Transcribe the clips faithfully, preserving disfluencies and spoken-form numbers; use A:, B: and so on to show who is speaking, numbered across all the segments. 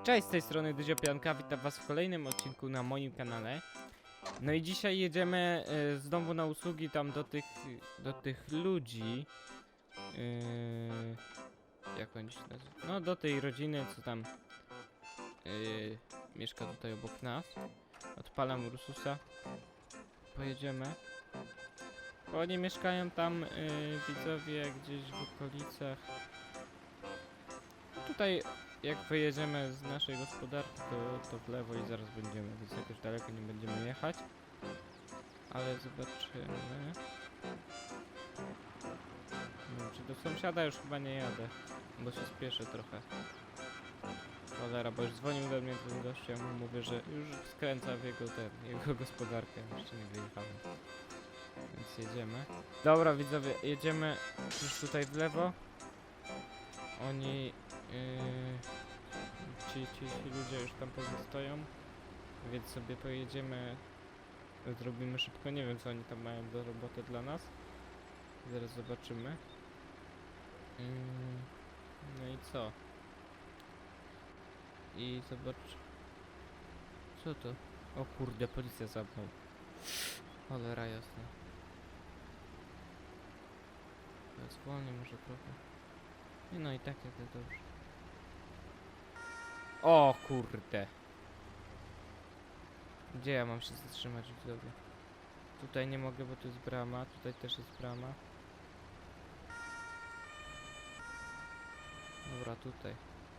A: Cześć, z tej strony Dyziopianka, witam was w kolejnym odcinku na moim kanale. No i dzisiaj jedziemy y, znowu na usługi tam do tych, do tych ludzi. Yy, jak oni się nazywają? No do tej rodziny, co tam yy, mieszka tutaj obok nas. Odpalam Ursusa. Pojedziemy. Bo oni mieszkają tam, yy, widzowie, gdzieś w okolicach. Tutaj jak wyjedziemy z naszej gospodarki, to, to w lewo i zaraz będziemy, więc jakoś daleko nie będziemy jechać. Ale zobaczymy. No, czy do sąsiada już chyba nie jadę, bo się spieszę trochę. Cholera, bo już dzwonił do mnie ten gość, ja mu mówię, że już skręca w jego, ten, jego gospodarkę, jeszcze nie wyjechałem. Więc jedziemy. Dobra widzowie, jedziemy już tutaj w lewo. Oni... Yy, ci, ci, ci ludzie już tam pozostają, więc sobie pojedziemy, zrobimy szybko, nie wiem co oni tam mają do roboty dla nas, zaraz zobaczymy. Yy, no i co? I zobacz... Co to? O kurde, policja za mną. Cholera jasna. Ja zwolnię może trochę. Nie no i tak jadę dobrze. O kurde. Gdzie ja mam się zatrzymać widzowie? Tutaj nie mogę, bo tu jest brama, tutaj też jest brama. Dobra, tutaj.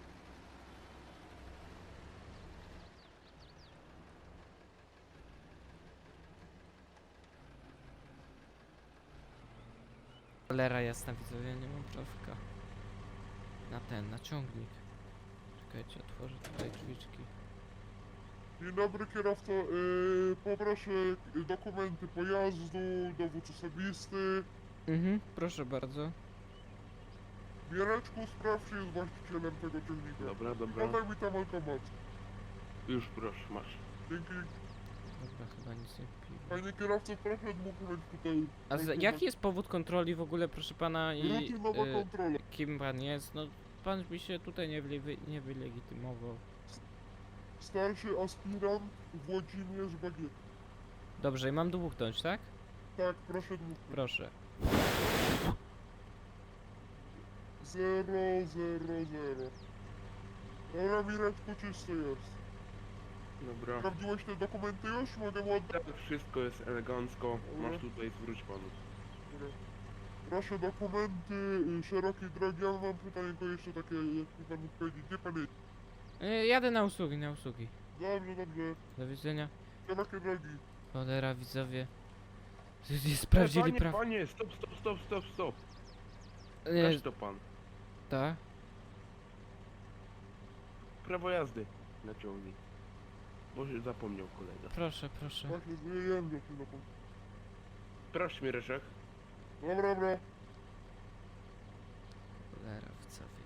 A: Cholera jasna widzowie, nie mam prawka. Na ten, na ciągnik. Czekajcie, otworzę tutaj drzwiczki.
B: Dzień dobry kierowco, yy, poproszę dokumenty pojazdu, dowód osobisty.
A: Mhm, proszę bardzo.
B: Mieleczku, sprawdź, czy jest właścicielem tego ciągnika.
C: Dobra, dobra.
B: Podaj mi tam automat.
C: Już proszę, masz.
B: Dzięki.
A: Dobra, chyba nic nie pił.
B: Panie kierowco, proszę dokument tutaj.
A: A z, jaki jest powód kontroli w ogóle, proszę pana, i
B: Rutynowa
A: y,
B: kontrola.
A: kim pan jest? No, pan mi się tutaj nie, wy, nie wylegitymował.
B: Starszy aspirant Włodzimierz Bagiet.
A: Dobrze, i mam dmuchnąć, tak?
B: Tak, proszę dmuchnąć.
A: Proszę.
B: Zero, zero, zero. Dobra, Mireczku, czysto jest.
C: Dobra.
B: Sprawdziłeś te dokumenty już? Mogę mu oddać?
C: Tak, wszystko jest elegancko. Masz tutaj, zwróć panu.
B: Dobra. Proszę dokumenty, y, szerokiej drogi, ja mam pytanie tylko jeszcze takie, jak mi pan mógł powiedzieć, gdzie pan jest?
A: Y, jadę na usługi, na usługi.
B: Dobrze, dobrze,
A: Do widzenia.
B: szerokie drogi.
A: Cholera, widzowie. Nie sprawdzili
C: panie,
A: praw...
C: Panie, stop, stop, stop, stop, stop.
A: Y,
C: Każ to pan.
A: tak?
C: Prawo jazdy na ciągnik. Może zapomniał kolega.
A: Proszę, proszę.
B: Właśnie, wyjem do tego.
C: Proszę mi Ryszek.
B: Dobra, dobra.
A: Cholera, widzowie.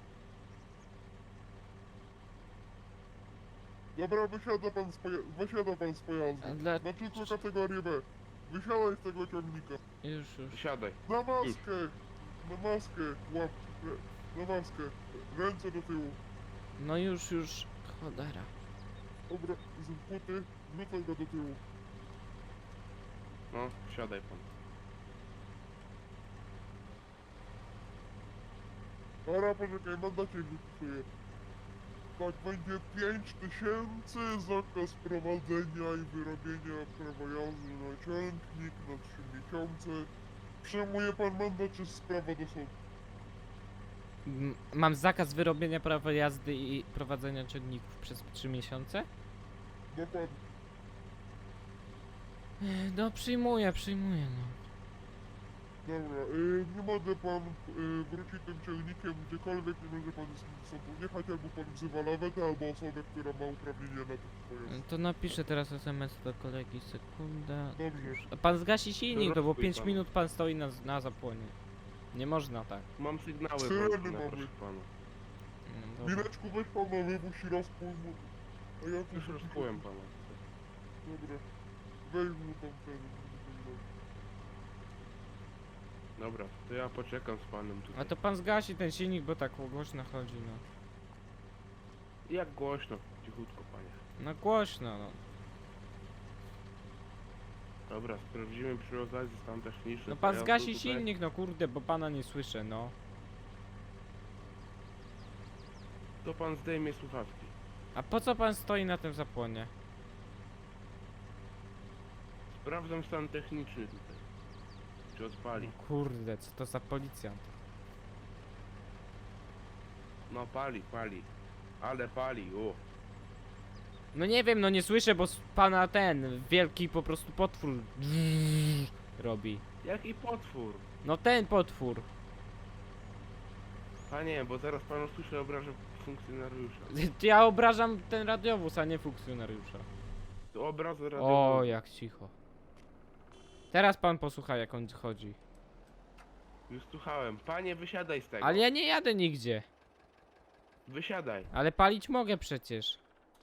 B: Dobra, wysiada pan z, poja- wysiada pan z pojazdu.
A: A dla...
B: Na tylko kategorię B. Wysiadaj z tego ciągnika.
A: Już, już.
C: Siadaj.
B: Na maskę! Na maskę! Łap. Na maskę. Ręce do tyłu.
A: No już, już. Cholera.
B: Dobra, z buty, wrzucaj go do tyłu.
C: No, siadaj pan.
B: Dobra, poczekaj, mandacie wypisuję. Tak, będzie pięć tysięcy, zakaz prowadzenia i wyrobienia prawa jazdy na ciągnik na trzy miesiące. Przyjmuje pan mandat, czy sprawa do sądu?
A: M mam zakaz wyrobienia prawa jazdy i prowadzenia ciągników przez trzy miesiące?
B: Dokładnie.
A: Ech, No przyjmuję, przyjmuję no.
B: Dobra, y, nie może pan y, wrócić tym ciągnikiem gdziekolwiek, nie może pan z nim do sądu jechać, albo pan wzywa lawetę, albo osobę, która ma uprawnienia na tym pojazd.
A: To napiszę teraz es em es do kolegi, sekunda.
B: Dobrze.
A: A pan zgasi silnik,
C: Dobra,
A: no bo
C: spójrz
A: pięć
C: pan.
A: minut pan stoi na, na zapłonie. Nie można tak.
C: Mam sygnały
B: Syreny
C: włączone,
B: mamy.
C: proszę pana.
A: No, dobra.
B: Mileczku, weź pan na wywóz i rozpój mu. A ja tu
C: Już rozkułem pana.
B: Dobra. Weź mu tam ten...
C: Dobra, to ja poczekam z panem tutaj.
A: A to pan zgasi ten silnik, bo tak głośno chodzi, no.
C: Jak głośno, cichutko panie.
A: No głośno, no.
C: Dobra, sprawdzimy przy okazji stan techniczny.
A: No pan
C: pojazdu
A: zgasi
C: tutaj.
A: silnik, no kurde, bo pana nie słyszę, no.
C: To pan zdejmie słuchawki.
A: A po co pan stoi na tym zapłonie?
C: Sprawdzam stan techniczny tutaj. Czy odpali?
A: No kurde, co to za policjant?
C: No pali, pali. Ale pali, o.
A: No nie wiem, no nie słyszę, bo s- pana ten wielki po prostu potwór robi.
C: Jaki potwór?
A: No ten potwór.
C: Panie, bo zaraz pan usłyszy obrażę funkcjonariusza.
A: Ja obrażam ten radiowóz, a nie funkcjonariusza.
C: To obraz
A: O,
C: radiowy.
A: jak cicho. Teraz pan posłucha, jak on chodzi.
C: Już słuchałem. Panie, wysiadaj z tego.
A: Ale ja nie jadę nigdzie.
C: Wysiadaj,
A: Ale palić mogę przecież.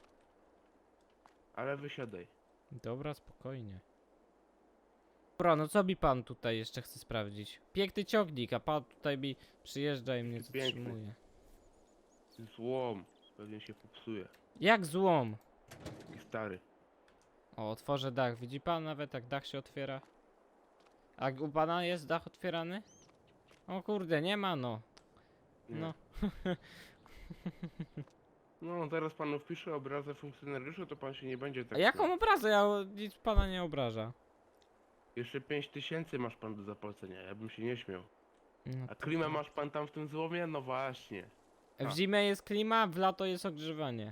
C: ale wysiadaj.
A: Dobra, spokojnie. Dobra, no co mi pan tutaj jeszcze chce sprawdzić? Piękny ciągnik, a pan tutaj mi przyjeżdża i mnie
C: Piękny.
A: zatrzymuje.
C: Złom. Pewnie się popsuje.
A: Jak złom.
C: Taki stary.
A: O, otworzę dach. Widzi pan nawet jak dach się otwiera? A u pana jest dach otwierany? O kurde, nie ma no.
C: Nie.
A: No.
C: No, zaraz panu wpiszę obrazę funkcjonariusza, to pan się nie będzie tak...
A: A jaką obrazę? Ja o- nic pana nie obraża.
C: Jeszcze pięć tysięcy masz pan do zapłacenia, ja bym się nie śmiał.
A: No
C: A
A: to-
C: klimę masz pan tam w tym złomie? No właśnie.
A: W zimę jest klima, w lato jest ogrzewanie.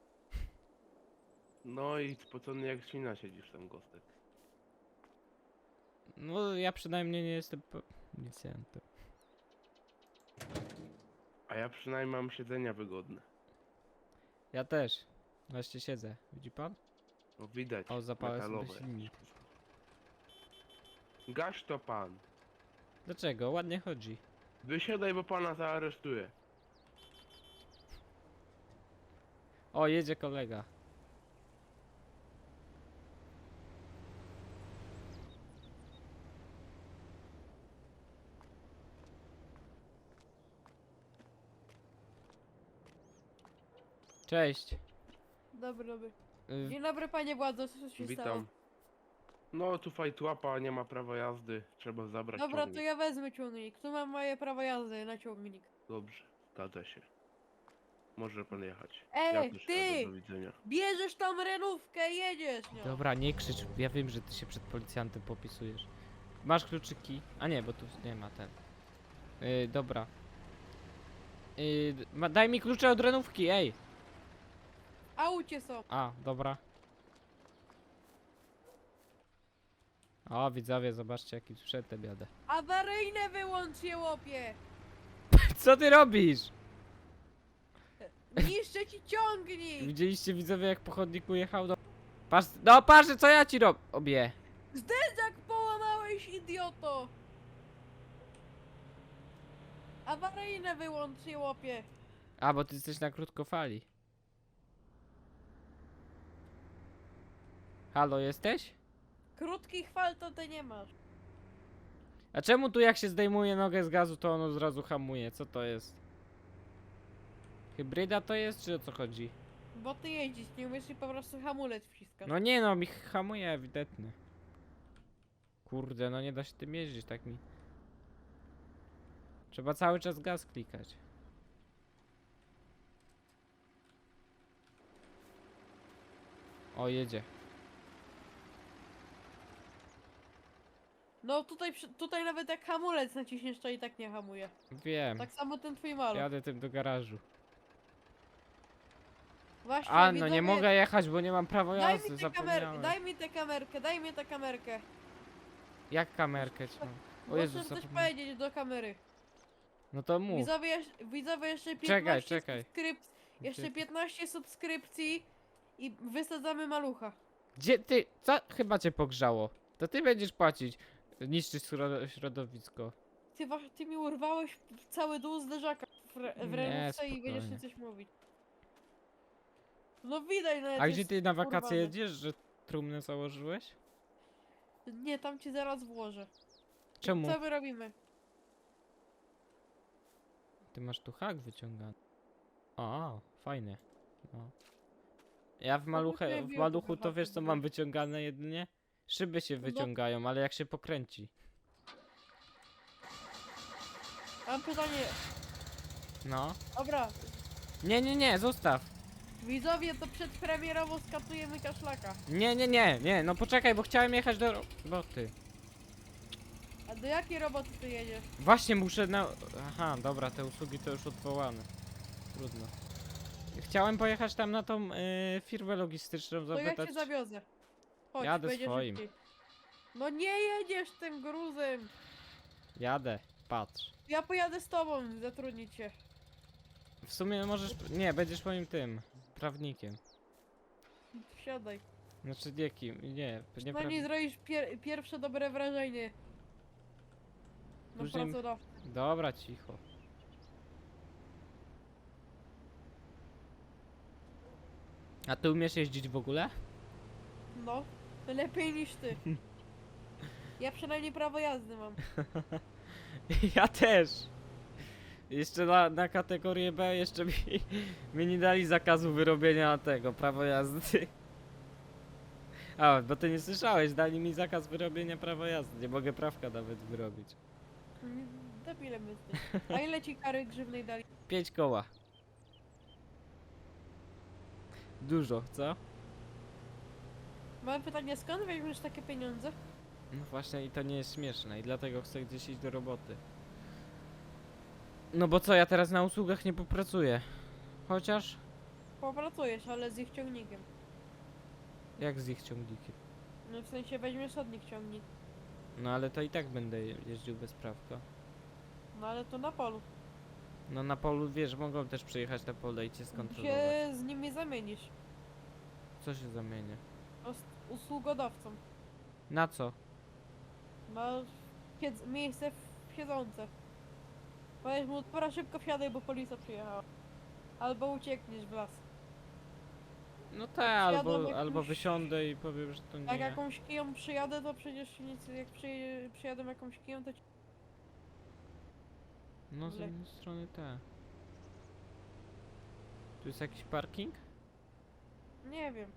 C: No i spocony jak świna siedzisz tam, Gostek.
A: No ja przynajmniej nie jestem policjantem.
C: A ja przynajmniej mam siedzenia wygodne.
A: Ja też. Właśnie siedzę. Widzi pan?
C: No widać,
A: O, zapałę sobie
C: metalowe.
A: silnik.
C: Gaś to pan.
A: Dlaczego? Ładnie chodzi.
C: Wysiadaj, bo pana zaaresztuję.
A: O, jedzie kolega. Cześć.
D: Dobry, dobry.
A: Y,
D: Dzień dobry panie władzo, co się stało?
C: Witam. No tu fajtłapa, nie ma prawa jazdy. Trzeba zabrać
D: Dobra,
C: ciągnik.
D: to ja wezmę ciągnik. Tu mam moje prawo jazdy na ciągnik.
C: Dobrze, zgadza się. Może pan jechać.
D: Ej,
C: ja też
D: ty!
C: jadę, do widzenia.
D: Bierzesz tam renówkę i jedziesz nią.
A: Dobra, nie krzycz. Ja wiem, że ty się przed policjantem popisujesz. Masz kluczyki? A nie, bo tu nie ma ten. Yy, dobra. Yy, ma, daj mi klucze od renówki, ej!
D: Aucie są.
A: A, dobra. O, widzowie, zobaczcie jakim sprzętem jadę.
D: Awaryjne wyłącz je łopie.
A: Co ty robisz?
D: Niszczę ci ciągnik.
A: Widzieliście widzowie jak po chodniku jechał do... Patrz, no patrz co ja ci robię.
D: Zderzak połamałeś, idioto. Awaryjne wyłącz je łopie.
A: A, bo ty jesteś na krótkofali. Halo, jesteś?
D: Krótkich fal to ty nie masz.
A: A czemu tu jak się zdejmuje nogę z gazu, to ono zrazu hamuje? Co to jest? Hybryda to jest, czy o co chodzi?
D: Bo ty jeździsz, nie umiesz i po prostu hamulec wciskasz.
A: No nie no, mi hamuje ewidentnie. Kurde, no nie da się tym jeździć, tak mi. Trzeba cały czas gaz klikać. O, jedzie.
D: No tutaj, przy- tutaj nawet jak hamulec naciśniesz, to i tak nie hamuje.
A: Wiem.
D: Tak samo ten twój maluch.
A: Jadę tym do garażu.
D: Właśnie,
A: A, no
D: widzowie,
A: nie mogę jechać, bo nie mam prawa
D: Daj
A: jazdy,
D: mi, tę kamer-
A: zapomniałem.
D: daj mi tę kamerkę, daj mi tę kamerkę.
A: Jak kamerkę ci mam? O
D: Muszę
A: Jezus,
D: coś
A: zapomniałem.
D: powiedzieć do kamery.
A: No to mów.
D: Widzowie, jeż- widzowie jeszcze
A: Czekaj,
D: piętnaście
A: czekaj.
D: subskrypcji. Jeszcze
A: Gdzie-
D: piętnaście subskrypcji i wysadzamy malucha.
A: Gdzie ty? Co? Chyba cię pogrzało. To ty będziesz płacić. Niszczyć środo- środowisko.
D: Ty, wa- ty mi urwałeś cały dół zderzaka w, re- w
A: Nie,
D: renówce i będziesz mi
A: spokojnie.
D: coś mówić. No widać nawet
A: A
D: jest
A: gdzie ty na wakacje
D: urwane.
A: jedziesz, że trumnę założyłeś?
D: Nie, tam ci zaraz włożę.
A: Czemu?
D: Co my robimy?
A: Ty masz tu hak wyciągany. A, fajnie. O. Ja w maluchę,
D: nie
A: w
D: wiem,
A: maluchu
D: co
A: to wiesz co
D: zobaczyć.
A: mam wyciągane jedynie? Szyby się
D: No.
A: wyciągają, ale jak się pokręci.
D: Mam pytanie.
A: No.
D: Dobra,
A: Nie, nie, nie, zostaw.
D: widzowie, to przedpremierowo skatujemy kaszlaka.
A: Nie, nie, nie, nie, no poczekaj, bo chciałem jechać do roboty.
D: A do jakiej roboty ty jedziesz?
A: Właśnie muszę na... Aha, dobra, te usługi to już odwołane. Trudno. Chciałem pojechać tam na tą y, firmę logistyczną,
D: To ja
A: zapytać...
D: cię zawiozę. Chodź,
A: Jadę
D: będzie
A: swoim.
D: szybciej. No nie jedziesz tym gruzem.
A: Jadę, patrz.
D: Ja pojadę z tobą, zatrudnić cię.
A: W sumie możesz... Nie, będziesz moim tym... prawnikiem.
D: Wsiadaj.
A: Znaczy nie kim, nie, nie
D: Przynajmniej
A: praw...
D: zrobisz pier pierwsze dobre wrażenie. Na
A: Później-
D: pracodawcę.
A: Dobra, cicho. A ty umiesz jeździć w ogóle?
D: No, lepiej niż ty. Ja przynajmniej prawo jazdy mam.
A: Ja też. Jeszcze na, na kategorię B jeszcze mi, mi nie dali zakazu wyrobienia tego, prawo jazdy. A, bo ty nie słyszałeś, dali mi zakaz wyrobienia prawa jazdy, nie mogę prawka nawet wyrobić.
D: Mm, Debilem jesteś. A ile ci kary grzywnej dali?
A: Pięć koła. Dużo, co?
D: Mam pytanie, skąd weźmiesz takie pieniądze?
A: No właśnie i to nie jest śmieszne i dlatego chcę gdzieś iść do roboty. No bo co, ja teraz na usługach nie popracuję. Chociaż...
D: Popracujesz, ale z ich ciągnikiem.
A: Jak z ich ciągnikiem?
D: No w sensie weźmiesz od nich ciągnik.
A: No ale to i tak będę je- jeździł bez prawka.
D: No ale to na polu.
A: No na polu, wiesz, mogą też przyjechać na pole i cię skontrolować.
D: Się z nimi zamienisz.
A: Co się zamienia?
D: No, z usługodawcą.
A: Na co?
D: Masz siedz- miejsce w siedzące. Powiesz mu, dobra, szybko wsiadaj, bo policja przyjechała. Albo uciekniesz w las.
A: No tak, albo,
D: jakąś-
A: albo wysiądę i powiem, że to nie
D: Jak
A: ja.
D: jakąś kiją przyjadę, to przecież nic, jak przyj przyjadę jakąś kiją, to ci...
A: No z
D: le-
A: jednej strony tak. Tu jest jakiś parking?
D: Nie wiem.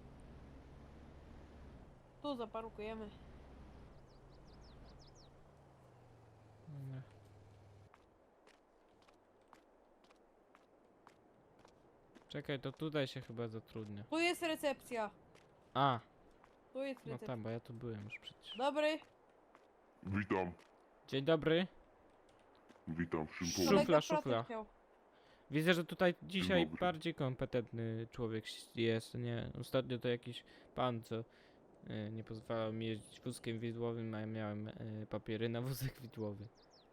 D: Tu zaparkujemy.
A: Dobra. Czekaj, to tutaj się chyba zatrudnia.
D: Tu jest recepcja.
A: A,
D: Tu jest
A: no
D: recepcja.
A: tam, bo ja tu byłem już przecież.
D: Dobry.
B: Witam,
A: Dzień dobry.
B: witam, w czym
A: Szufla,
B: pomóc?
D: Kolega
A: szufla.
D: pracę chciał.
A: Widzę, że tutaj dzisiaj
B: dobry.
A: bardziej kompetentny człowiek jest, nie? Ostatnio to jakiś pan, co e, nie pozwalał mi jeździć wózkiem widłowym, a ja miałem e, papiery na wózek widłowy.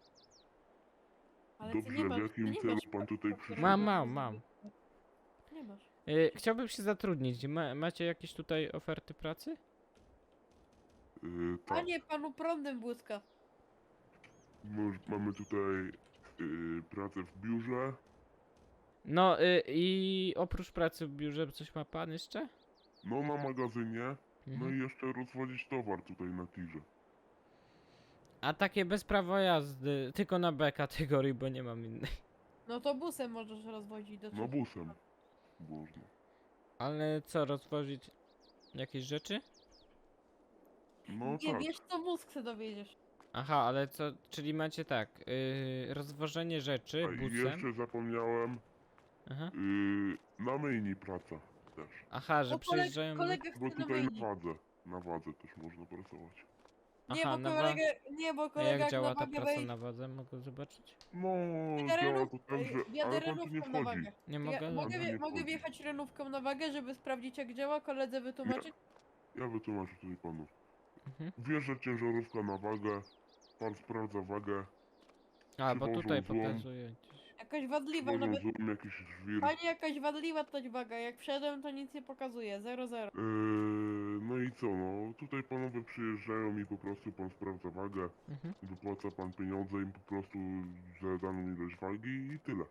D: Ale ty
B: Dobrze,
D: nie masz,
B: w jakim
D: ty nie
B: celu
D: masz
B: pan tutaj
D: papierów
B: przyszedł?
A: Mam,
D: na
A: mam,
D: wózek
A: mam.
D: widłowy. Nie masz.
A: E, chciałbym się zatrudnić. Ma, macie jakieś tutaj oferty pracy?
B: Yy,
D: A
B: tak,
D: nie, panu prądem błyska.
B: Moż- mamy tutaj yy, pracę w biurze,
A: No y, i oprócz pracy w biurze coś ma pan jeszcze?
B: no na magazynie, no
A: Mhm.
B: i jeszcze rozwozić towar tutaj na tirze.
A: A takie bez prawa jazdy, tylko na B kategorii, bo nie mam innej.
D: No to busem możesz rozwozić do
B: No
D: trzech.
B: busem można.
A: Ale co, rozwozić jakieś rzeczy?
B: No
D: Nie
B: tak,
D: wiesz co mózg chce dowiedziesz.
A: Aha, ale co, czyli macie tak, yy, rozwożenie rzeczy
B: a i
A: busem.
B: jeszcze zapomniałem,
A: Aha.
B: yy, na myjni praca też.
A: Aha, że
D: Bo kolega,
A: przyjeżdżają.
D: kolega
B: Bo
D: chce na
B: tutaj na
D: myjni.
B: wadze, na wadze też można pracować.
D: Nie,
A: Aha,
D: bo
A: na wa-
D: kolega, nie, bo
A: A
D: kolega
A: jak
D: jak
A: działa
D: na
A: ta
D: wagę
A: praca
D: wejdzie.
A: na wadze? Mogę zobaczyć?
B: No, działa
D: Renów,
B: to tak, że...
D: wjadę
B: ale pan tu nie
D: renówką na
B: wchodzi.
D: wagę.
A: Nie
D: Ja,
A: mogę?
D: mogę,
B: Pan tu
D: wie,
B: nie
D: mogę
B: wchodzi.
D: wjechać renówką na wagę, żeby sprawdzić jak działa, koledze wytłumaczyć?
B: Ja wytłumaczę tutaj panu.
A: Mhm.
B: Wjeżdża ciężarówka na wagę, pan sprawdza wagę,
A: A, bo
B: przywożą
A: tutaj
B: złom.
A: pokazuje gdzieś.
D: Jakaś wadliwa
B: przywożą
D: nawet.
B: złom, jakiś żwir.
D: Pani jakaś wadliwa to waga, jak wszedłem to nic nie pokazuje, zero zero.
B: Yy, no i co, no tutaj panowie przyjeżdżają i po prostu pan sprawdza wagę,
A: Mhm.
B: wypłaca pan pieniądze im po prostu za daną ilość wagi i tyle.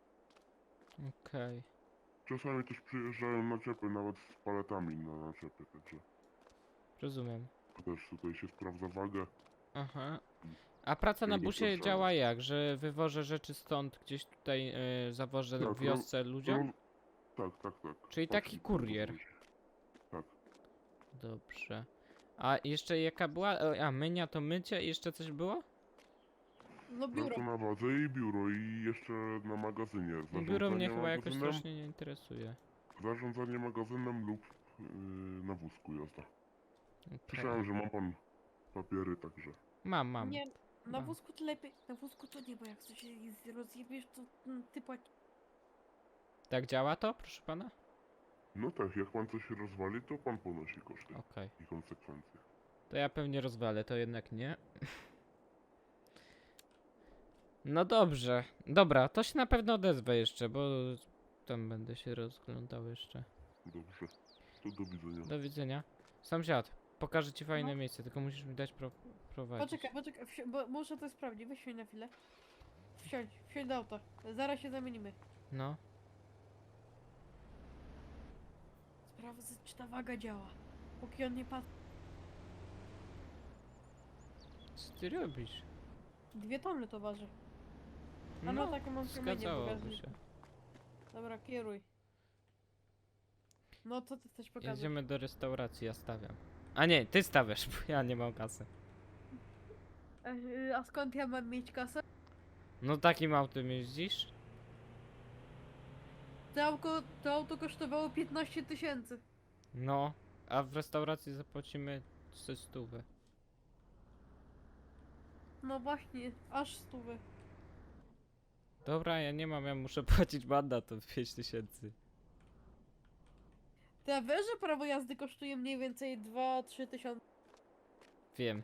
A: Okej.
B: Czasami też przyjeżdżają naczepy, nawet z paletami na naczepy, także
A: Rozumiem.
B: też tutaj się sprawdza wagę.
A: Aha. A praca na
B: Tylko
A: busie
B: proszę.
A: działa jak? Że wywożę rzeczy stąd, gdzieś tutaj y, zawożę
B: Tak,
A: w wiosce ludziom?
B: Roz, tak, tak, tak.
A: Czyli
B: Patrz,
A: taki kurier.
B: Tak.
A: Dobrze. A jeszcze jaka była? E, A, mynia to mycie i jeszcze coś było?
D: No
B: Tak,
D: biuro.
B: to na bazę i biuro i jeszcze na magazynie.
A: No biuro mnie
B: Zarządzanie
A: chyba jakoś
B: magazynem,
A: strasznie nie interesuje.
B: zarządzanie magazynem lub yy, na wózku jazda.
A: Okej.
B: Słyszałem, że ma pan papiery, także.
A: Mam, mam.
D: Nie, na
A: mam.
D: wózku to lepiej, na wózku to nie, bo jak coś się rozjebiesz, to mm, ty płacisz.
A: Tak działa to, proszę pana?
B: No tak, jak pan coś rozwali, to pan ponosi koszty
A: Okej.
B: i konsekwencje.
A: To ja pewnie rozwalę, to jednak nie. No dobrze. Dobra, to się na pewno odezwę jeszcze, bo tam będę się rozglądał jeszcze.
B: Dobrze, to do widzenia.
A: Do widzenia. Sąsiad, pokażę ci fajne
D: No.
A: miejsce, tylko musisz mi dać pro prowadzić.
D: Poczekaj, poczekaj, wsi- bo muszę to sprawdzić, weź się na chwilę. Wsiądź, wsiądź do auta, zaraz się zamienimy.
A: No.
D: Sprawdzę, czy ta waga działa. Póki on nie patrzy.
A: Co ty robisz?
D: Dwie tony to waży. A no, taką mam kamienie w
A: zgadzałoby
D: bagażniku.
A: się.
D: Dobra, kieruj. No to ty chcesz pokazać.
A: Jedziemy do restauracji, ja stawiam. A nie, ty stawiasz, bo ja nie mam kasy.
D: A, y, a skąd ja mam mieć kasę?
A: No takim autem jeździsz?
D: To auto, to auto kosztowało piętnaście tysięcy.
A: No, a w restauracji zapłacimy trzy stówy.
D: No właśnie, aż stówy.
A: Dobra, ja nie mam, ja muszę płacić mandat od pięć tysięcy.
D: Ty a wiesz, że prawo jazdy kosztuje mniej więcej dwa trzy tysiące?
A: Wiem.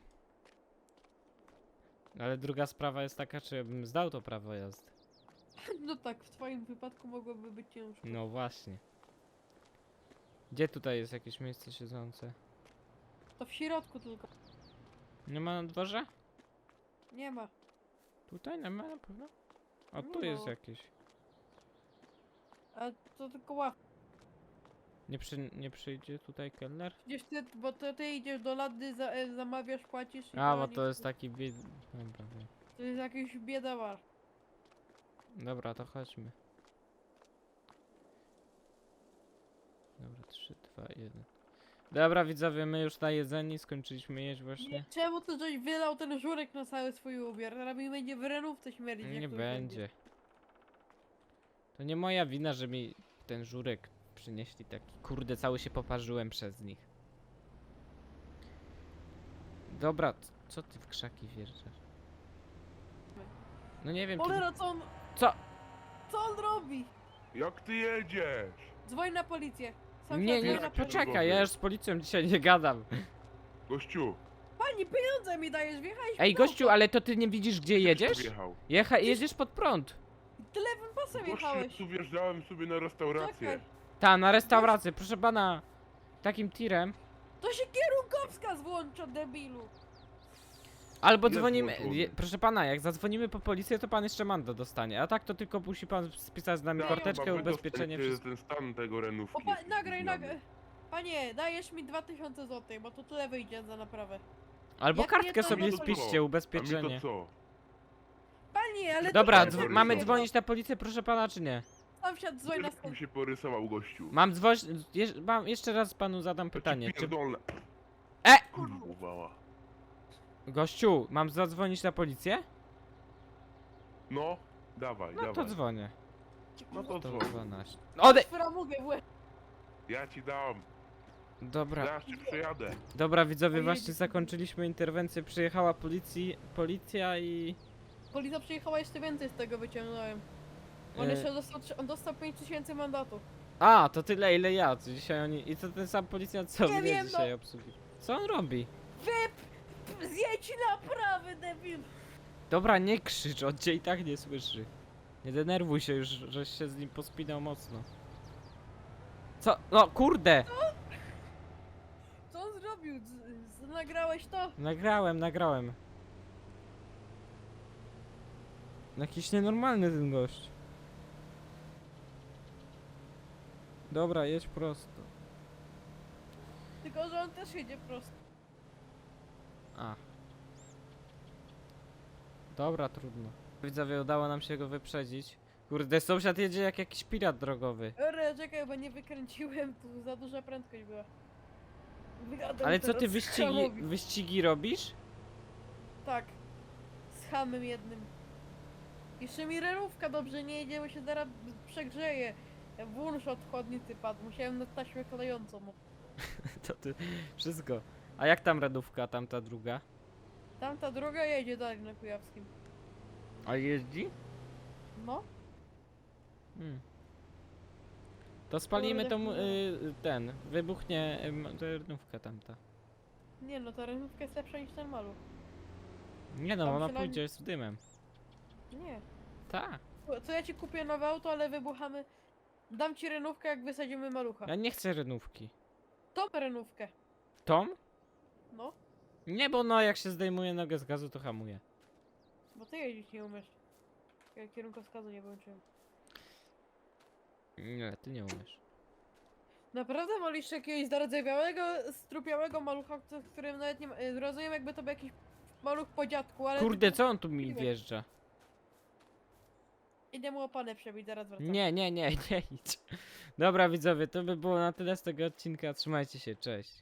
A: Ale druga sprawa jest taka, czy ja bym zdał to prawo jazdy.
D: No tak, w twoim wypadku mogłoby być ciężko.
A: No właśnie. Gdzie tutaj jest jakieś miejsce siedzące?
D: To w środku tylko.
A: Nie ma na dworze?
D: Nie ma.
A: Tutaj nie ma na pewno? O, tu
D: No.
A: jest jakieś.
D: A to tylko ław.
A: Nie, przy, nie przyjdzie tutaj kelner?
D: Przecież ty, bo to ty idziesz do lady, za, e, zamawiasz, płacisz i
A: A, bo
D: nie-
A: to jest taki bied... Dobra, wiem.
D: To jest jakiś biedawar.
A: Dobra, to chodźmy. Dobra, trzy, dwa, jeden. Dobra, widzowie, my już najedzeni, skończyliśmy jeść właśnie.
D: Nie, czemu ty żeś wylał ten żurek na cały swój ubiór? Teraz mi będzie w renówce śmierdzić. jak
A: Nie
D: to
A: będzie. To nie moja wina, że mi ten żurek przynieśli taki. Kurde, cały się poparzyłem przez nich. Dobra, c- co ty w krzaki wjeżdżasz? No nie wiem, kiedy...
D: Cholera, co on...
A: Co?
D: Co on robi?
B: Jak ty jedziesz?
D: Dzwoń na policję. Sam
A: Nie,
D: się
A: nie,
D: dzwoń na policję.
A: poczekaj, ja już z policją dzisiaj nie gadam.
B: Gościu,
D: Pani, pieniądze mi dajesz, wjechałeś
A: Ej,
D: w auto.
A: gościu, ale to ty nie widzisz, gdzie jedziesz?
B: wjechał.
A: Jecha jedziesz pod prąd.
D: Ty lewym pasem
B: Gościu,
D: jechałeś.
B: tu wjeżdżałem sobie na restaurację.
D: Czekaj.
A: Ta, na restaurację, proszę pana. Takim tirem.
D: To się kierunkowskaz włącza, debilu.
A: Albo
B: Jest
A: dzwonimy.
B: włączony.
A: Je, proszę pana, jak zadzwonimy po policję, to pan jeszcze mandat dostanie. A tak to tylko musi pan spisać z nami
B: Tak,
A: karteczkę,
B: chyba
A: ubezpieczenie,
B: wydostać,
A: wszystko.
B: ten stan tego renówki.
D: O, pa, nagraj,
B: Zmiany.
D: nagraj. Panie, dajesz mi dwa tysiące złotych, bo to tyle wyjdzie za naprawę.
A: Albo
D: Jak
A: kartkę
D: nie, to
A: sobie
D: no to
A: spiszcie,
B: A mi
A: ubezpieczenie.
B: to co?
D: Panie, ale...
A: Dobra,
D: to
A: dzwo-
B: dzwo-
A: mamy
B: Dobra.
A: dzwonić na policję, proszę pana, czy nie?
D: Sąsiad, dzwoń na
B: Wiesz, jak
D: stąd.
B: mi się porysował gościu.
A: Mam dzwonić. Jeż, mam, jeszcze raz panu zadam
B: To ci
A: pytanie. Czy,
B: pierdolę.
A: E!
B: Kurwa.
A: gościu, mam zadzwonić na policję?
B: No, dawaj,
A: No to
B: dawaj.
A: dzwonię.
B: No to
A: To
B: dzwoń.
A: dwanaście. Ode!
D: Framugę w łeb.
B: Ja ci dam.
A: Dobra,
B: Zaraz ci przejadę.
A: dobra widzowie,
D: Pojedzie-
A: właśnie zakończyliśmy interwencję. Przyjechała policji, policja i...
D: Policja przyjechała, jeszcze więcej z tego wyciągnąłem. On
A: E,
D: jeszcze dostał, trzy- on dostał pięć tysięcy mandatu.
A: A, to tyle ile ja. To dzisiaj oni... I to ten sam policjant co
D: Nie
A: mnie
D: wiem,
A: dzisiaj
D: no.
A: obsługuje. Co on robi?
D: Zjedź na prawy, debil.
A: Dobra, nie krzycz, on cię i tak nie słyszy. Nie denerwuj się już, żeś się z nim pospinał mocno. Co? No kurde!
D: Co on zrobił? Z, z, nagrałeś to?
A: Nagrałem, nagrałem. Jakiś nienormalny ten gość. Dobra, jedź prosto.
D: Tylko, że on też jedzie prosto.
A: A. Dobra, trudno. Widzowie, udało nam się go wyprzedzić. Kurde, sąsiad jedzie jak jakiś pirat drogowy.
D: Ore, czekaj, bo nie wykręciłem, tu za duża prędkość była. Wygadam
A: Ale co ty
D: teraz
A: wyścigi,
D: hamowi.
A: wyścigi robisz?
D: Tak. Z hamem jednym. Jeszcze mi renówka dobrze nie jedzie, bo się zaraz przegrzeje. Włącz od chłodnicy padł, musiałem na taśmę klejącą.
A: To ty, wszystko. A jak tam radówka, tamta druga?
D: Tamta droga jedzie dalej na Kujawskim.
A: A jeździ?
D: No,
A: Hmm. To spalimy
D: Kurde,
A: tą,
D: kurde.
A: y, ten, wybuchnie y, m- ta radówka tamta.
D: nie no, ta renówka jest lepsza niż ten maluch.
A: Nie no,
D: Tam
A: ona
D: przynajmniej-
A: pójdzie z dymem.
D: Nie.
A: Tak.
D: Co ja ci kupię nowe auto, ale wybuchamy. Dam ci renówkę, jak wysadzimy malucha.
A: Ja nie chcę renówki.
D: Tą renówkę.
A: Tom?
D: No,
A: Nie, bo no jak się zdejmuje nogę z gazu, to hamuje.
D: bo ty jeździć nie umiesz. Ja kierunkowskazu nie włączyłem.
A: Nie, ty nie umiesz.
D: Naprawdę wolisz jakiegoś zardzewiałego, strupiałego malucha, co- w którym nawet nie ma... y, Rozumiem, jakby to był jakiś maluch po dziadku, ale...
A: Kurde, co on tu mi
D: Miłe.
A: wjeżdża?
D: Idę mu opanę przebić, zaraz wracam.
A: Nie, nie, nie, nie idź. Dobra widzowie, to by było na tyle z tego odcinka. Trzymajcie się, cześć.